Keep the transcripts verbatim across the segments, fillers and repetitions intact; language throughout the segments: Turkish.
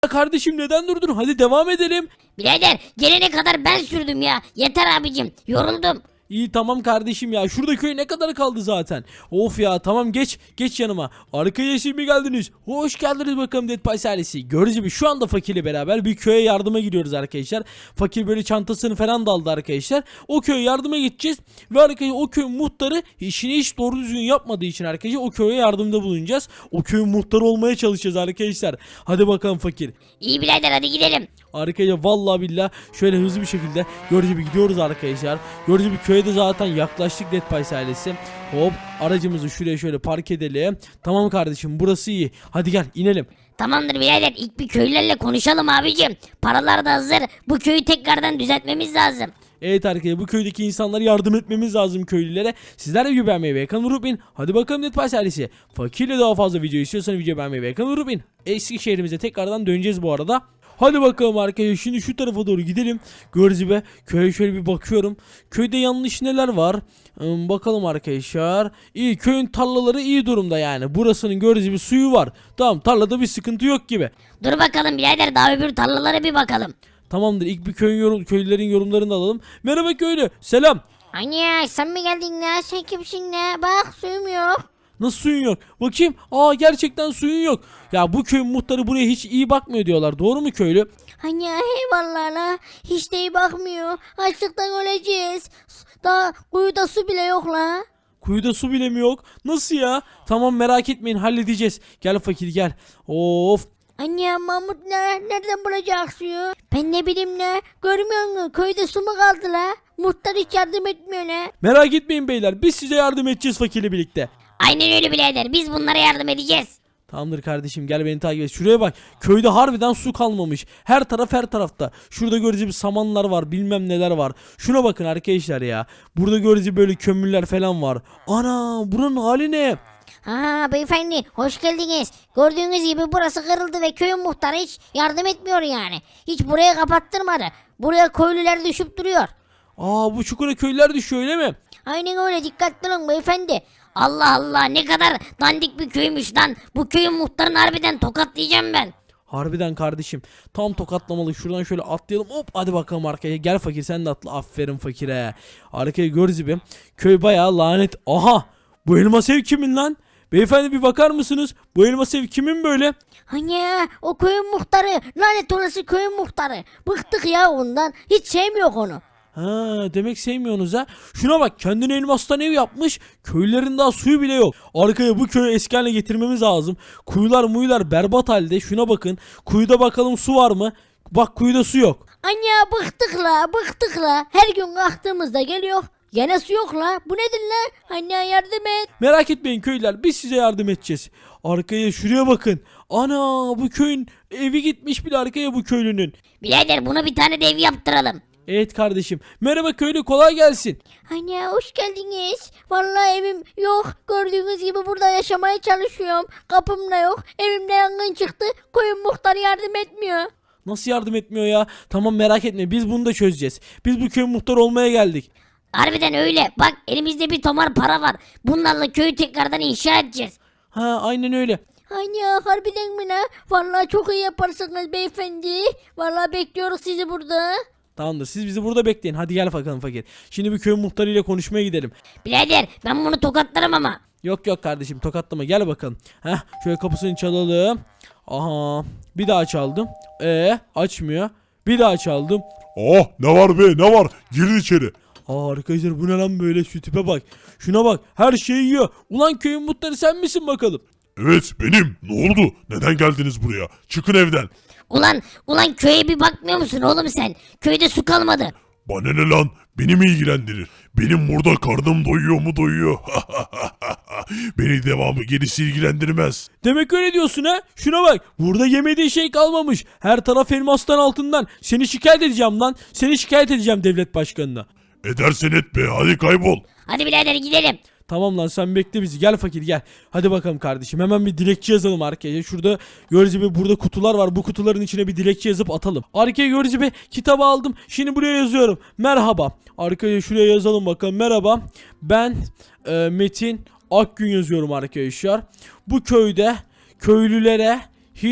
Kardeşim neden durdun? Hadi devam edelim. Birader gelene kadar ben sürdüm ya. Yeter abicim, yoruldum. İyi tamam kardeşim ya. Şurada köy ne kadar kaldı zaten. Of ya tamam geç. Geç yanıma. Arkaya şimdi geldiniz. Hoş geldiniz bakalım Dead Pies ailesi. Gördüğünüz gibi şu anda fakirle beraber bir köye yardıma gidiyoruz arkadaşlar. Fakir böyle çantasını falan da aldı arkadaşlar. O köye yardıma gideceğiz. Ve arkadaşlar o köyün muhtarı işini hiç doğru düzgün yapmadığı için arkadaşlar o köye yardımda bulunacağız. O köyün muhtarı olmaya çalışacağız arkadaşlar. Hadi bakalım fakir. İyi birader, hadi gidelim. Arkadaşlar vallahi billah şöyle hızlı bir şekilde gördüğünüz gibi gidiyoruz arkadaşlar. Gördüğünüz gibi köye de zaten yaklaştık Dead Pies ailesi. Hop aracımızı şuraya şöyle park edelim. Tamam kardeşim burası iyi. Hadi gel inelim. Tamamdır birader, ilk bir köylülerle konuşalım abicim. Paralar da hazır. Bu köyü tekrardan düzeltmemiz lazım. Evet arkadaşlar bu köydeki insanlara yardım etmemiz lazım köylülere. Sizler de video beğenmeyi ve kanalı unutmayın. Hadi bakalım Dead Pies ailesi. Fakirle daha fazla video istiyorsanız video beğenmeyi ve kanalı unutmayın. Eski şehrimize tekrardan döneceğiz bu arada. Hadi bakalım arkadaşlar şimdi şu tarafa doğru gidelim. Gördüğünüz gibi köye şöyle bir bakıyorum. Köyde yanlış neler var? Hmm, bakalım arkadaşlar. İyi, köyün tarlaları iyi durumda yani. Burasının gördüğünüz gibi suyu var. Tamam, tarlada bir sıkıntı yok gibi. Dur bakalım birader, daha öbür tarlalara bir bakalım. Tamamdır, ilk bir köyün yorum, köylülerin yorumlarını da alalım. Merhaba köylü, selam. Anne sen mi geldin ya? Sen kimsin ya? Bak suyum yok. Nasıl suyun yok? Bakayım. Aa gerçekten suyun yok. Ya bu köyün muhtarı buraya hiç iyi bakmıyor diyorlar. Doğru mu köylü? Anne eyvallah la. Hiç de iyi bakmıyor. Açlıktan öleceğiz. Daha kuyuda su bile yok la. Kuyuda su bile mi yok? Nasıl ya? Tamam merak etmeyin halledeceğiz. Gel fakir gel. Of. Anne Mahmut ne? Nereden bulacak suyu? Ben ne bileyim ne? Görmüyor musun? Köyde su mu kaldı la? Muhtar hiç yardım etmiyor ne? Merak etmeyin beyler. Biz size yardım edeceğiz fakirle birlikte. Aynen öyle birader. Biz bunlara yardım edeceğiz. Tamamdır kardeşim gel beni takip et. Şuraya bak. Köyde harbiden su kalmamış. Her taraf her tarafta. Şurada göreceğimiz samanlar var. Bilmem neler var. Şuna bakın arkadaşlar ya. Burada göreceğimiz böyle kömürler falan var. Ana buranın hali ne? Ha beyefendi hoş geldiniz. Gördüğünüz gibi burası kırıldı ve köyün muhtarı hiç yardım etmiyor yani. Hiç buraya kapattırmadı. Buraya köylüler düşüp duruyor. Aa bu çukura köylüler düşüyor öyle mi? Aynen öyle, dikkatli olun beyefendi. Allah Allah, ne kadar dandik bir köymüş lan. Bu köyün muhtarını harbiden tokatlayacağım ben. Harbiden kardeşim. Tam tokatlamalı. Şuradan şöyle atlayalım. Hop hadi bakalım arkaya. Gel fakir sen de atla. Aferin fakire. Arkaya gördüğünüz gibi. Köy bayağı lanet. Aha. Bu elmas ev kimin lan? Beyefendi bir bakar mısınız? Bu elmas ev kimin böyle? Hani o köyün muhtarı, lanet olası köyün muhtarı. Bıktık ya ondan. Hiç sevmiyor onu. Ha demek sevmiyorsunuz ha. Şuna bak kendine elmastan ev yapmış. Köylülerin daha suyu bile yok. Arkaya bu köyü eski haline getirmemiz lazım. Kuyular muyular berbat halde. Şuna bakın. Kuyuda bakalım su var mı? Bak kuyuda su yok. Anne bıktık la bıktık la. Her gün kalktığımızda geliyor. Gene su yok la. Bu nedir la? Anne yardım et. Merak etmeyin köylüler. Biz size yardım edeceğiz. Arkaya şuraya bakın. Ana bu köyün evi gitmiş bile arkaya bu köylünün. Birader buna bir tane de ev yaptıralım. Evet kardeşim. Merhaba köylü kolay gelsin. Anne hoş geldiniz. Vallahi evim yok. Gördüğünüz gibi burada yaşamaya çalışıyorum. Kapım da yok. Evimde yangın çıktı. Köyün muhtarı yardım etmiyor. Nasıl yardım etmiyor ya? Tamam merak etme biz bunu da çözeceğiz. Biz bu köyün muhtarı olmaya geldik. Harbiden öyle. Bak elimizde bir tomar para var. Bunlarla köyü tekrardan inşa edeceğiz. Ha aynen öyle. Anne harbiden mi ne? Vallahi çok iyi yaparsınız beyefendi. Vallahi bekliyoruz sizi burada. Tamamdır siz bizi burada bekleyin. Hadi gel bakalım fakir. Şimdi bir köyün muhtarıyla konuşmaya gidelim. Birader ben bunu tokatlarım ama. Yok yok kardeşim tokatlama gel bakalım. Heh şöyle kapısını çalalım. Aha bir daha çaldım. Ee açmıyor. Bir daha çaldım. Oh ne var be ne var girin içeri. Aa arkadaşlar bu ne lan böyle şu tipe bak. Şuna bak her şeyi yiyor. Ulan köyün muhtarı sen misin bakalım? Evet benim ne oldu neden geldiniz buraya çıkın evden. Ulan ulan köye bir bakmıyor musun oğlum sen? Köyde su kalmadı. Bana ne lan beni mi ilgilendirir? Benim burada karnım doyuyor mu doyuyor. Beni devamı gerisi ilgilendirmez. Demek öyle diyorsun ha? Şuna bak. Burada yemediği şey kalmamış. Her taraf elmastan altından. Seni şikayet edeceğim lan. Seni şikayet edeceğim devlet başkanına. Edersen et be hadi kaybol. Hadi birader gidelim. Tamam lan sen bekle bizi. Gel fakir gel. Hadi bakalım kardeşim. Hemen bir dilekçe yazalım arkaya. Şurada gördüğünüz gibi burada kutular var. Bu kutuların içine bir dilekçe yazıp atalım. Arkaya gördüğünüz gibi kitabı aldım. Şimdi buraya yazıyorum. Merhaba. Arkaya şuraya yazalım bakalım. Merhaba. Ben e, Metin Akgün yazıyorum arkadaşlar. Bu köyde köylülere hiç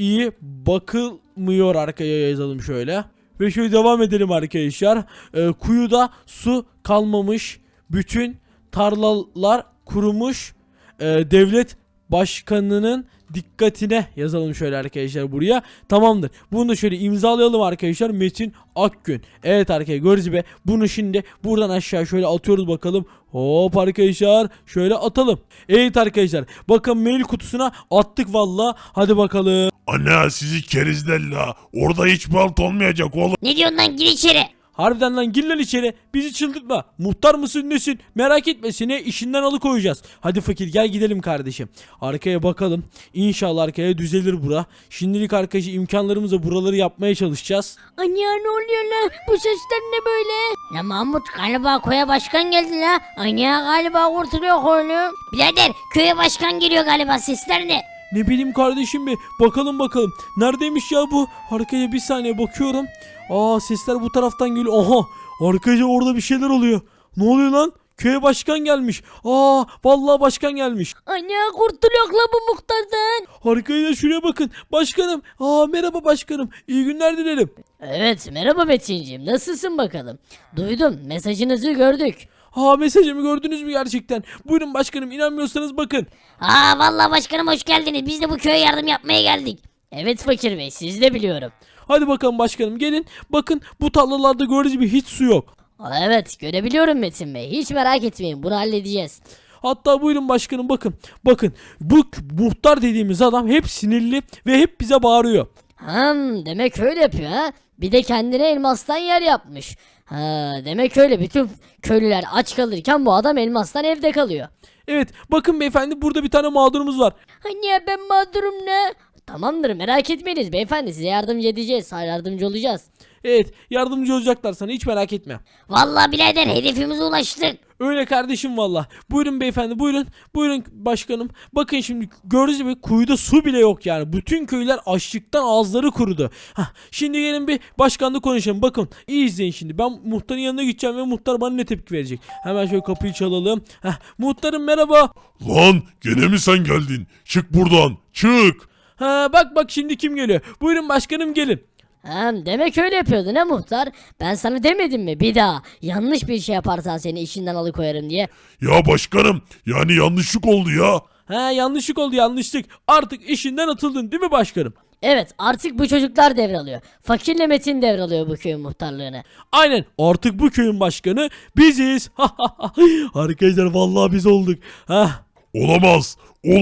iyi bakılmıyor, arkaya yazalım şöyle. Ve şöyle devam edelim arkadaşlar. Ee, kuyuda su kalmamış. Bütün tarlalar kurumuş. Ee, devlet başkanının dikkatine yazalım şöyle arkadaşlar buraya. Tamamdır. Bunu da şöyle imzalayalım arkadaşlar. Metin Akgün. Evet arkadaşlar gördüğünüz gibi bunu şimdi buradan aşağı şöyle atıyoruz bakalım. Hop arkadaşlar şöyle atalım. Evet arkadaşlar bakın mail kutusuna attık valla. Hadi bakalım. Ana sizi kerizlerla. Orada hiç balt olmayacak oğlum. Ne diyorsun lan, gir içeri. Harbiden lan gir lan içeri. Bizi çıldırtma. Muhtar mısın nesin? Merak etme, seni işinden alıkoyacağız. Hadi fakir gel gidelim kardeşim. Arkaya bakalım. İnşallah arkaya düzelir bura. Şimdilik arkadaşlar imkanlarımızla buraları yapmaya çalışacağız. Anne ne oluyor lan? Bu sesler ne böyle? La Mahmut, galiba köye başkan geldi la. Anne galiba kurtuluyor oğlum. Birader, köye başkan geliyor galiba, sesler ne? Ne bileyim kardeşim bir bakalım bakalım. Neredeymiş ya bu? Arkaya bir saniye bakıyorum. Aa sesler bu taraftan geliyor. Aha arkadaşlar orada bir şeyler oluyor. Ne oluyor lan? Köye başkan gelmiş. Aa vallahi başkan gelmiş. Anne kurtuluyor la bu muhtardan. Arkadaşlar şuraya bakın. Başkanım. Aa merhaba başkanım. İyi günler dilerim. Evet, merhaba Metin'ciğim, nasılsın bakalım? Duydum, mesajınızı gördük. Aa mesajımı gördünüz mü gerçekten? Buyurun başkanım, inanmıyorsanız bakın. Aa vallahi başkanım hoş geldiniz. Biz de bu köye yardım yapmaya geldik. Evet Fakir Bey, siz de biliyorum. Hadi bakalım başkanım gelin. Bakın bu tarlalarda gördüğünüz gibi hiç su yok. Aa, evet, görebiliyorum Metin Bey, hiç merak etmeyin, bunu halledeceğiz. Hatta buyurun başkanım bakın. Bakın bu k- muhtar dediğimiz adam hep sinirli ve hep bize bağırıyor. Hmm, demek öyle yapıyor ha? Bir de kendine elmastan yer yapmış. Ha, demek öyle, bütün köylüler aç kalırken bu adam elmastan evde kalıyor. Evet bakın beyefendi burada bir tane mağdurumuz var. Anne ben mağdurum ne? Tamamdır, merak etmeyiniz beyefendi, size yardımcı edeceğiz, yardımcı olacağız. Evet yardımcı olacaklar sana, hiç merak etme. Vallahi birader hedefimize ulaştık. Öyle kardeşim valla. Buyurun beyefendi buyurun. Buyurun başkanım. Bakın şimdi gördüğünüz gibi kuyuda su bile yok yani. Bütün köyler açlıktan ağızları kurudu. Hah, şimdi gelin bir başkanla konuşalım. Bakın iyi izleyin şimdi. Ben muhtarın yanına gideceğim ve muhtar bana ne tepki verecek. Hemen şöyle kapıyı çalalım. Heh, muhtarım merhaba. Lan gene mi sen geldin? Çık buradan. Çık. Ha, bak bak şimdi kim geliyor. Buyurun başkanım gelin. Hem demek öyle yapıyordun ha muhtar? Ben sana demedim mi bir daha yanlış bir şey yaparsan seni işinden alıkoyarım diye. Ya başkanım yani yanlışlık oldu ya. Ha yanlışlık oldu yanlışlık. Artık işinden atıldın değil mi başkanım? Evet, artık bu çocuklar devralıyor. Fakirle Metin devralıyor bu köyün muhtarlığını. Aynen artık bu köyün başkanı biziz. Arkadaşlar vallahi biz olduk. Hah. Olamaz.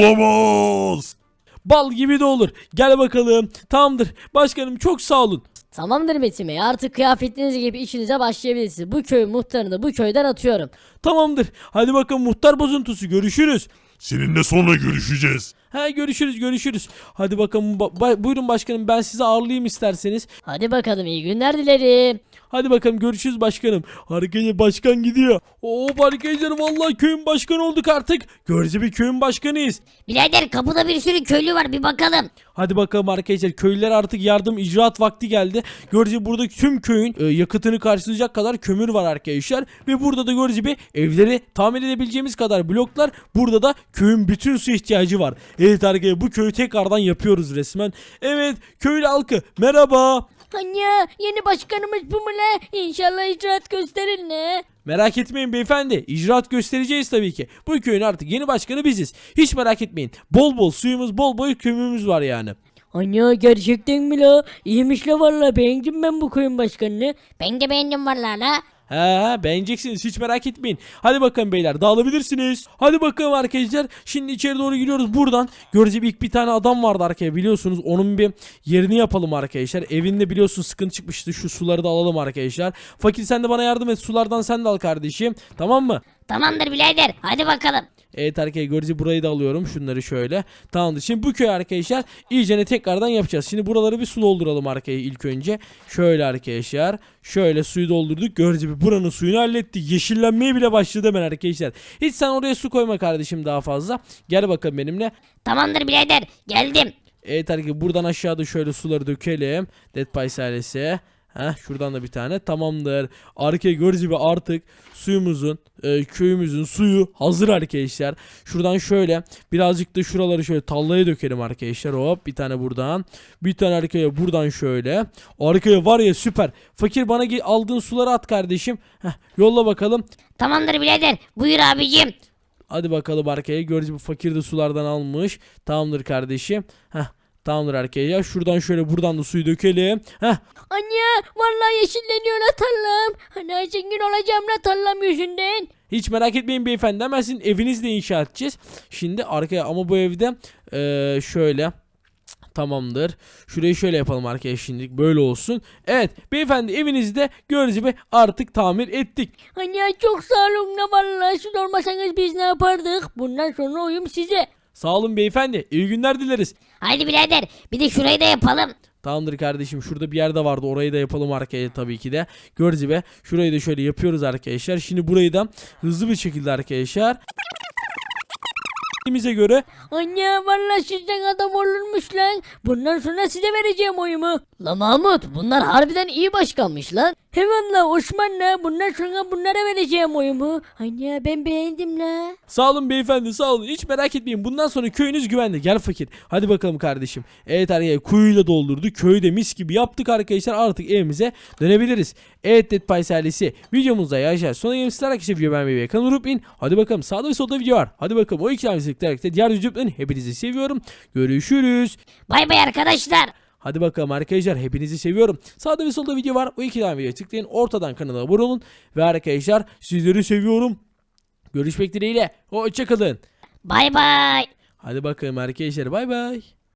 Olamaz. Bal gibi de olur. Gel bakalım. Tamamdır. Başkanım çok sağ olun. Tamamdır Metin Bey, artık kıyafetiniz gibi işinize başlayabilirsiniz. Bu köyün muhtarını da bu köyden atıyorum. Tamamdır. Hadi bakalım muhtar bozuntusu. Görüşürüz. Seninle sonra görüşeceğiz. He görüşürüz görüşürüz. Hadi bakalım. Ba- ba- buyurun başkanım ben sizi ağırlayayım isterseniz. Hadi bakalım, iyi günler dilerim. Hadi bakalım görüşürüz başkanım. Arkadaşlar başkan gidiyor. Oo arkadaşlar vallahi köyün başkanı olduk artık. Görece bir köyün başkanıyız. Birader kapıda bir sürü köylü var, bir bakalım. Hadi bakalım arkadaşlar köylüler artık yardım icraat vakti geldi. Görece burada tüm köyün e, yakıtını karşılayacak kadar kömür var arkadaşlar. Ve burada da görece bir evleri tamir edebileceğimiz kadar bloklar. Burada da köyün bütün su ihtiyacı var. Evet arkadaşlar bu köyü tekrardan yapıyoruz resmen. Evet köylü halkı merhaba. Anne yeni başkanımız bu mu la? İnşallah icraat gösterir ne? Merak etmeyin beyefendi. İcraat göstereceğiz tabii ki. Bu köyün artık yeni başkanı biziz. Hiç merak etmeyin. Bol bol suyumuz, bol bol kömürümüz var yani. Anne gerçekten mi la? İyiymiş la, valla beğendim ben bu köyün başkanını. Ben de beğendim vallahi la. He he beğeneceksiniz hiç merak etmeyin. Hadi bakalım beyler dağılabilirsiniz. Hadi bakalım arkadaşlar. Şimdi içeri doğru giriyoruz buradan. Görece ilk bir tane adam vardı arkaya biliyorsunuz. Onun bir yerini yapalım arkadaşlar. Evinde biliyorsun sıkıntı çıkmıştı. Şu suları da alalım arkadaşlar. Fakir sen de bana yardım et. Sulardan sen de al kardeşim. Tamam mı? Tamamdır birader, hadi bakalım. Evet arkadaşlar görece burayı da alıyorum. Şunları şöyle. Tamamdır. Şimdi bu köy arkadaşlar iyicene tekrardan yapacağız. Şimdi buraları bir su dolduralım arkaya ilk önce. Şöyle arkadaşlar. Şöyle suyu doldurduk. Görece bir buranın suyunu hallettik. Yeşillenmeye bile başladı hemen arkadaşlar. Hiç sen oraya su koyma kardeşim daha fazla. Gel bakalım benimle. Tamamdır birader, geldim. Evet arkadaşlar buradan aşağıda şöyle suları dökelim. Dead Pies ailesi. Heh, şuradan da bir tane tamamdır. Arkaya gördüğünüz gibi artık suyumuzun e, köyümüzün suyu hazır arkadaşlar. Şuradan şöyle birazcık da şuraları şöyle tallaya dökelim arkadaşlar. Hop bir tane buradan. Bir tane arkaya buradan şöyle. Arkaya var ya süper. Fakir bana ge- aldığın suları at kardeşim. Heh, yolla bakalım. Tamamdır birader. Buyur abicim. Hadi bakalım arkaya. Gördüğünüz gibi fakir de sulardan almış. Tamamdır kardeşim. Heh, tamamdır arkaya. Şuradan şöyle buradan da suyu dökelim. Heh, Anne vallahi yeşilleniyor la tarlam. Hani zengin olacağım la tarlam yüzünden. hiç merak etmeyin beyefendi. Hemen sizin evinizi de inşa edeceğiz. Şimdi arkaya ama bu evde eee, şöyle. Tamamdır. Şurayı şöyle yapalım arkadaşlar şimdilik. Böyle olsun. Evet beyefendi evinizi de gördüğünüz gibi artık tamir ettik. Anne çok sağ olun la vallahi siz olmasanız biz ne yapardık? Bundan sonra oyum size. Sağ olun beyefendi. İyi günler dileriz. Haydi birader bir de şurayı da yapalım. Tamamdır kardeşim. Şurada bir yerde vardı. Orayı da yapalım arkaya tabii ki de. Gördüğünüz gibi şurayı da şöyle yapıyoruz arkadaşlar. Şimdi burayı da hızlı bir şekilde arkadaşlar bize göre Anne vallahi sizden adam olurmuş lan. Bundan sonra size vereceğim oyumu. La Mahmut bunlar harbiden iyi başkanmış lan. Eyvallah Osman'la bundan sonra bunlara vereceğim oyumu. Anne ben beğendim la. sağ olun beyefendi sağ olun. Hiç merak etmeyin. Bundan sonra köyünüz güvende. Gel fakir. Hadi bakalım kardeşim. Evet arkadaşlar kuyuyla doldurduk. Köyü de mis gibi yaptık arkadaşlar. Artık evimize dönebiliriz. Evet Dead Pies ailesi. Videomuzda yaşar. Sonra yemişler arkadaşlar. Video beğenmeyi ve kanalı unutmayın. Hadi bakalım sağda ve solda video var. Hadi bakalım o iki tanesi diğer videolarını hepinizi seviyorum. Görüşürüz. Bay bay arkadaşlar. Hadi bakalım arkadaşlar hepinizi seviyorum. Sağda ve solda video var. O iki tane videoya tıklayın. Ortadan kanala abone olun. Ve arkadaşlar sizleri seviyorum. Görüşmek dileğiyle. Hoşçakalın. Bay bay. Hadi bakalım arkadaşlar bay bay.